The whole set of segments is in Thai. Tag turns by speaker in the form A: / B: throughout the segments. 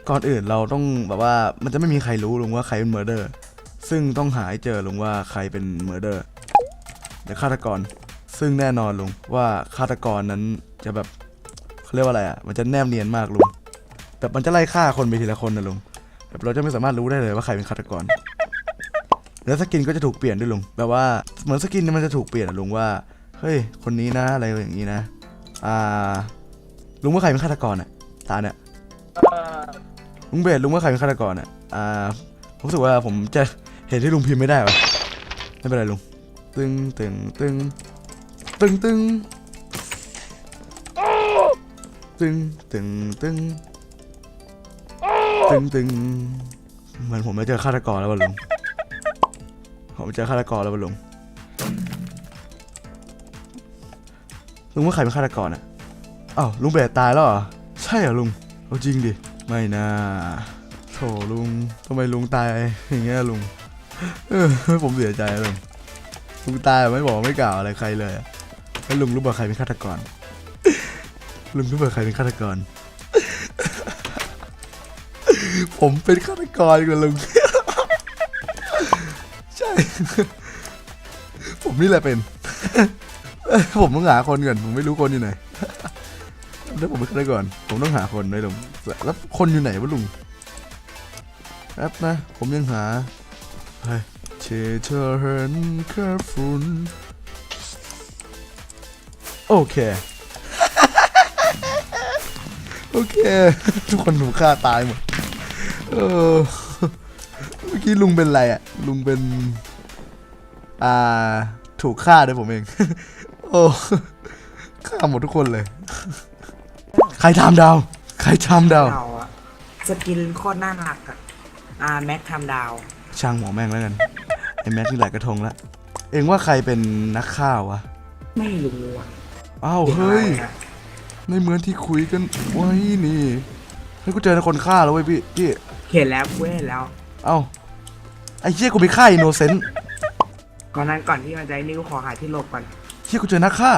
A: ก่อนอื่นเราต้องแบบว่ามันจะไม่มีใครรู้ลุงว่าใครเป็นเมอร์เดอร์ซึ่งต้องหาให้เจอลุงว่าใครเป็นเมอร์เดอร์หรือฆาตกรซึ่งแน่นอนลุงว่าฆาตกรนั้นจะแบบเขาเรียกว่าอะไรอ่ะมันจะแนบเนียนมากลุงแบบมันจะไล่ฆ่าคนไปทีละคนนะลุงแบบเราจะไม่สามารถรู้ได้เลยว่าใครเป็นฆาตกรแล้วสกินก็จะถูกเปลี่ยนด้วยลุงแบบว่าเหมือนสกินมันจะถูกเปลี่ยนลุงว่าเฮ้ยคนนี้นะอะไรอย่างนี้นะลุงว่าใครเป็นฆาตกรอ่ะตาเนี่ยลุงเบสลุงว่าใครเป็นฆาตกรอ่ะผมรู้สึกว่าผมจะเห็นที่ลุงพิมพ์ไม่ได้วะไม่เป็นไรลุงตึงตึงตึงตึงตึงตึงตึงตึงตึงตึงเหมือนผมจะเจอฆาตกรแล้ววะลุงผมเจอฆาตกรแล้ววะลุงว่าใครเป็นฆาตกรอ่ะอ้าวลุงเบสตายแล้วเหรอใช่เหรอลุงเอาจริงดิไม่น่าโถลุงทำไมลุงตายอย่างเงี้ยลุงผมเสียใจลุงตายไม่บอกไม่กล่าวอะไรใครเลยแล้วลุงรู้ป่ะใครเป็นฆาตกรลุงรู้ป่ะใครเป็นฆาตกรผมเป็นฆาตกรกับลุงใช่ผมนี่แหละเป็นผมต้องหาคนก่อนผมไม่รู้คนอยู่ไหนถ้าผมเป็นฆาตกรผมต้องหาคนด้วยลุงแล้วคนอยู่ไหนวะลุงแป๊บนะผมยังหาเชเธอเห็นแค่ฝุ่นโอเคโอเคทุกคนถูกฆ่าตายหมดเมื่อกี้ลุงเป็นอะไรอ่ะลุงเป็นถูกฆ่าด้วยผมเองโอ้ฆ่าหมดทุกคนเลยใครทำดาวใครทำดาว
B: สกินโคตรน่ารักแม็กทำดาว
A: ช่างหมอแม่งแล้วกันไอ้แม็กนี่หลายกระทงละเอ็งว่าใครเป็นนักข่าววะ
B: ไม่รู้อ่ะ
A: อ้าวเฮ้ยในเหมือนที่คุยกันไว้นี่ให้กูเจอคนฆ่าแล้วเว้ยพี่
B: เห็นแล้วกูเห็นแล้ว
A: เอ้าไอ้เหี้ยกูไปฆ่าอินโนเซนต์
B: ก่อนที่มันจะนิ้วขอหาที่หลบก่อน
A: เหี้ยกูเจอนักฆ่า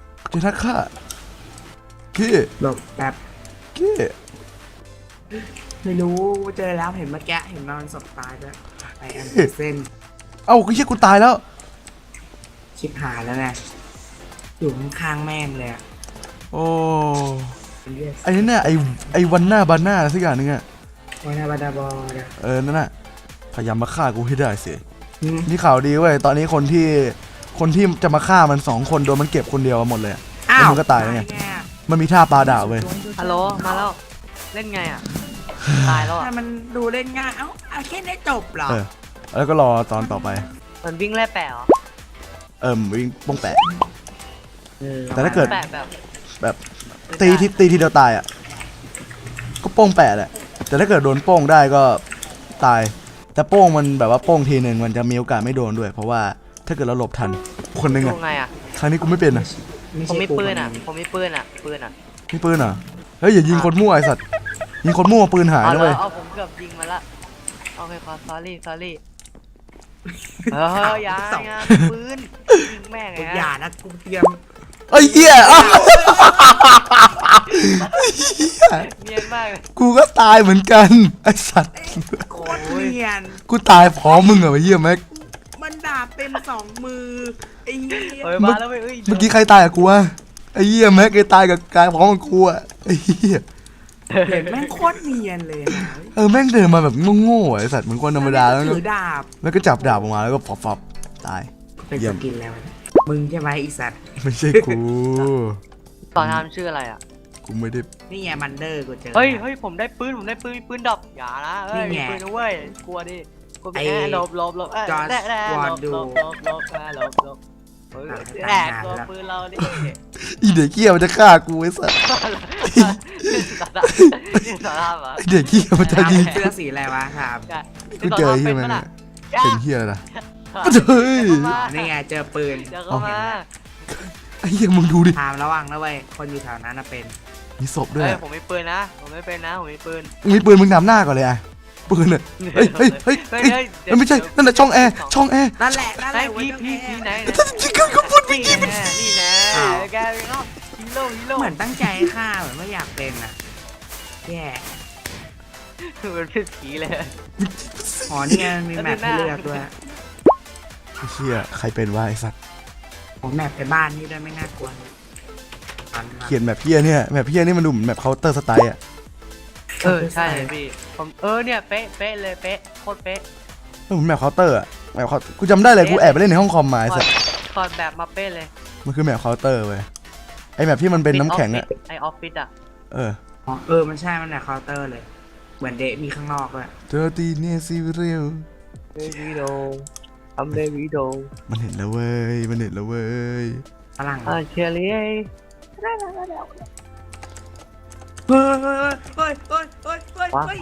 A: กี้
B: หลบแป๊บ
A: กี้
B: ไม่รู้เจอแล้วเห็นเมื่อกี้เห็นนอนศพตายด้วยไอแอนเซน
A: เอ้าเหี้ยกูตายแล้ว
B: ชิบหายแล้วไงอยู่ข้างๆแม่งเลย
A: โอ้ไอ้นี่เนี่ยไอ้วันหน้าบาน่าสักอย่างนึงอะ
B: วันหน้าบาดาบอ
A: นั่นน่ะพยายามมาฆ่ากูให้ได้สินี่ข่าวดีเว้ยตอนนี้คนที่จะมาฆ่ามัน2 คนโดนมันเก็บคนเดียวหมดเลยแล้วมันก็ตายแล้วไงมันมีท่าปลาดาวเว้ย
C: ฮัลโหลมาแล้วเล่นไงอ่ะตายแล้วอ่ะ
B: มันดูเล่นง่ายแค่ได้จบเหรอ
A: แล้วก็รอตอนต่อไป
C: มันวิ่งแล่แปะเหรอ
A: วิ่งป้องแปะแต่ถ้าเกิดแบบตีทีเดียวตายอ่ะก็โป้งแปะแหละแต่ถ้าเกิดโดนโป้งได้ก็ตายแต่โป้งมันแบบว่าโป้งทีนึงมันจะมีโอกาสไม่โดนด้วยเพราะว่าถ้าเกิดเราหลบทันคนนึงอ่ะครั้งนี้กูไม่เป็นนะ
C: ผมมีปืนอ่ะมีปืนอ่ะ
A: เฮ้ยอย่ายิงคนมั่วไอสัตว์ยิงคนมั่วปืนหายนะเว้ย
C: ผมเกือบยิงมาละโอเคขอ sorry อย่าปืนยิงแม่งไง
B: อย่านะกูเตรียม
A: ไอ้เหี้ย
C: เนียนมาก
A: กูก็ตายเหมือนกันไอสัตว์
B: โคตรเนียน
A: กูตายพร้อมมึงเหรอไอ้เหี้ยแม็ก
B: มันดาบเต็ม2 มือไอ้เหี้ย
C: มาแล้ว
A: เมื่อกี้ใครตายกับกูวะไอ้เหี้ยแม็กไอ้ตายกับกายพร้อมกับกูอะไอ้เหี้ย
B: เห็นแม่งโคตรเนียนเลย
A: แม่งเดินมาแบบโง่ๆไอ้สัตว์เหมือนคนธรรมดาแล้ว
B: ถือดาบ
A: แล้วก็จับดาบออกมาแล้วก็ฟับตาย
B: เป็นสกินแล้วมึงใช่ไหมอีสัตว์
A: ไม่ใช่กู
C: ตอนทำชื่ออะไรอ่ะ
A: กูไม่ได้
B: นี่ไงมันเดอร์กูเจอ
C: เฮ้ยผมได้ปืนดอกอย่านะเฮ้ยปืนนะเว้ยกลัวดิกลัวไปหลบ
B: จอร์จวอร์ดู
C: แหลกตัวปืนเราดิ
A: อีเด็กเกี้ยมันจะฆ่ากูไอ้สัสไอเด็กเกี้ยมันจะยิง
B: เสื้อสีอะไรวะครับ
A: กูเจอเฮียมันเป็นเฮียอะไรนะเฮ้ย
B: นี่ไงเจอปืน
A: ไอ้เหี้ยมึงดูดิ
B: ถามระวังนะเว้ยคนอยู่แถวนั้นเป็น
A: มีศพด้วย
C: ผมมีปืนนะผมไม่เป็นนะผมมีปืน
A: มึงนำหน้าก่อนเลยอ่ะปืนเนี่ยเฮ้ยไม่ใช่นั่นแหละช่องแอร์
B: นั่นแหละ
C: พี่ไหน
A: จิกก็พูดไม่กี่
C: นี่นะแกฮีโร่
B: เหมือนตั้งใจฆ่าเหมือนไม่อยากเป็นอ่ะแย่
C: เหมือนเป็นผีเลย
B: อ๋อนี่ไงมีแมปให้เลือกด้วย
A: ไอ้เชี่ยใครเป็นวะไอ้สัตว์
B: ผมแมปไปบ้านนี่ด้วยไม่น่ากลัวเลย
A: เขียนแบบเพี้ยเนี่ยแบบเพี้ยนี่มันดูเหมือนแบบเคาน์เตอร์สไตล์อ่ะ
C: ใช่เลยพี่ผมเนี่ยเป๊ะเลยเป๊ะโคตรเป๊ะ
A: มันเหมือนแบบเคาน์เตอร์อ่ะแบบกูจำได้เลยกูแอบไปเล่นในห้องคอมมาไอ้สัตว์
C: ถอดแบบมาเป๊ะเลย
A: มันคือแบบเคาน์เตอร์เว้ยไอ้แบบที่มันเป็นน้ำแข็งอ่ะ
C: ไอออฟฟิศอ่ะ
A: เออ
B: อ๋อมันใช่มันแบบเคาน์เตอร์เลย เหมือนเดะมีข้างนอกด้วย
A: เจอตีเนี่ยซีเรียล
C: เดวิโดทำเดวิโด
A: มันเห็นแล้วเว้ยมันเห็นแล้วเว้ย
B: ฝรั่ง
C: เชียร์ลี
B: เฮ้ย
C: ว้าว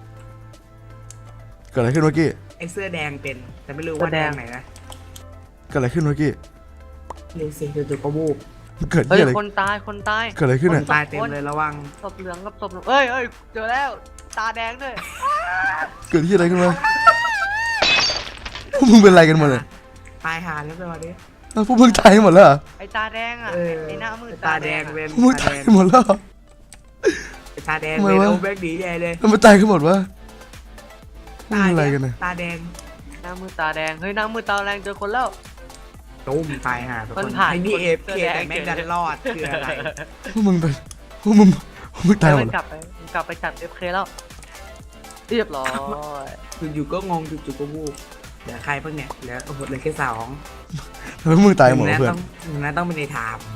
A: เกิดอะไรขึ้นเมื่อกี้
B: ไอเสื้อแดงเป็น แต่ไม่รู้ว่าแดงไหนนะ
A: เกิดอะไรขึ้นเมื่อกี้
B: เลเซีจู่ๆก็วูบ
A: เกิด
C: เฮ้ย
A: ที่อะไร
C: คนตาย
A: เกิดอะไรขึ้น
B: ค
A: อ่ะ
B: นตายเต็มเลยระวัง
C: ศพเหลืองกับศพเอ้ยเจอแล้วตาแดงด้วย
A: เกิดที่อะไรขึ้นวะพวกมึงเป็นอะไรกันหมดเลย
B: ตายหาแล้วไปวันนี้
A: พวกมึงตายหมดแล้วเหรอ
C: ไอตาแดงอ่ะไอหน้ามืด
B: ตาแดงเป็น
A: พวกมึงตายหมดแล้วเหรอ
B: ตาแดง
A: ทำไม
B: เป็น
A: วะ
B: โอ้แบกดีใหญ่เลย
A: ทำไมตายกันหมดวะพวกมึงอะไรกันนะ
B: ตาแดง
C: หน้ามืดตาแดงเฮ้ยหน้ามืดตาแดงเจอคนแล้ว
B: ตุ้มตายหาทุก
C: มั
B: คน น
C: ผ่าน
B: ไอ้นี่
C: คน
B: เอฟ
C: เสื้
B: เค
C: อแดง
B: แต่แม่งดันรอดคืออะไร
A: พวกมึงไปพวกมึงตายหมด
C: มัน
A: แล้ว
C: กลับไปจัด FK แล้วเรียบร้อย
B: อยู่ๆก็งงจู่ๆก็วูบเหลือใครเพิ่งเนี่ยเหลือโอ้โหเหลือแค่สอง
A: ทำไมพวกมึงตายหมดวะเพื่อน
B: หนึ่งนั้นต้องเป็นในไทม์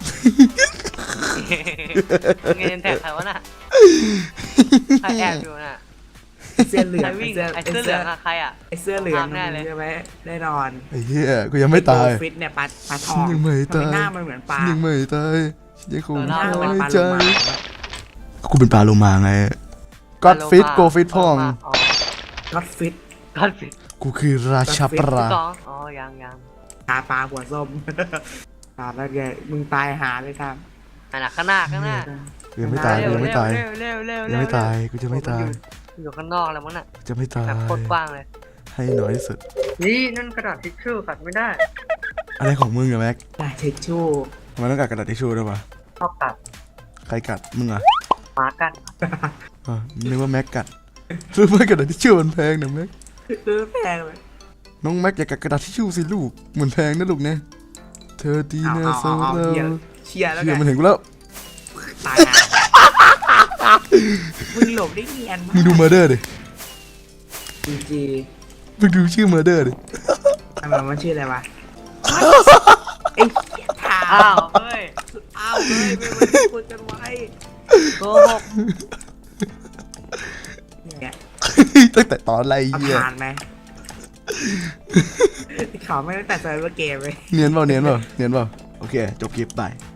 C: เงินแท็กใครวะน่ะใครแอบอยู่น่ะ
B: เสื้อเหลือ
C: ใครง วิ่งไอเสื้อเหลืองอะใครอะ
B: ไอเสื้อเหลือง
C: แน่เลย
B: ใช่ไหมแน่นอน
A: ไอ้เหี้ยกูยังไม่ตาย
B: โกฟิตเนี่ยปลาทอง
A: ยังไม่ตาย
B: ทำหน้ามันเหมือนปลา
A: ยังไม่ตายยังคง
B: หน้า
A: น้
B: มันเหมือน
A: อย
B: ปลา
A: ใจ
B: โลมา
A: กูเป็นปลาโลมาไงก็อดฟิตโกฟิตพ่อง
B: ก็อดฟิต
C: ก็อดฟิต
A: กูคือราชาปลา
C: สองยัง
B: ตาปลาหัวส้ม ตาแล้วแกมึงตายหาเลยครับ
C: อันน่ะข้างหน้า
A: กูยังไม่ตายกูยังไม่ตาย
C: เร็ว
A: ยังไม่ตายกูจะไม่ตาย
C: อยู่ข้างนอกแล้วมั้งน่ะ
A: จะไม่ตาย
C: แบบโคตรกว้างเลย
A: ให้น้อยที่สุด
C: นี่นั่นกระดาษทิชชู่ขัดไม่ได้
A: อะไรของมึงอะแม็ก
B: ตาเช็ดชู่
A: ทำไมันต้องกัดกระดาษทิชชู่ด้วยวะ
C: ชอบกัด
A: ใครกัดมึงอะ
C: หมากัด
A: อ๋อนึกว่าแม็กกัดรู้ไหมกระดาษทิชชู่มันแพงนะแม็ก
B: แพงเลย
A: น้องแม็กอย่ากัดกระดาษทิชชู่สิลูกเหมือนแพงนะลูกเนี่ยเธอดีนะโซเรา
B: เชียร์แล้ว
A: เชื่
B: กั
A: อน มันเห็นกูแล้ว
B: ตายหามึงหลบได้เนียน
A: มึงดูเมอร์เดอร์ดิ
B: จี
A: มึงดูชื่อเมอร์เดอร์ดิ
B: ทำไมมันชื่ออะไรวะไอ้เหี้ยถาม
C: อ้าวเฮ้ย
B: อ้าวเฮ้ยไม่มาที่คุยกันไว้
C: โกหก
B: เนี่ย
A: ตั้งแต่ตอนอะไร
B: เอา
A: เหี้ย
B: ผ่านไหมขอไม่ตั้งแต่เซิร์ฟเวอร์เกมเลย
A: เนียนเปล่าโอเคจบคลิปไป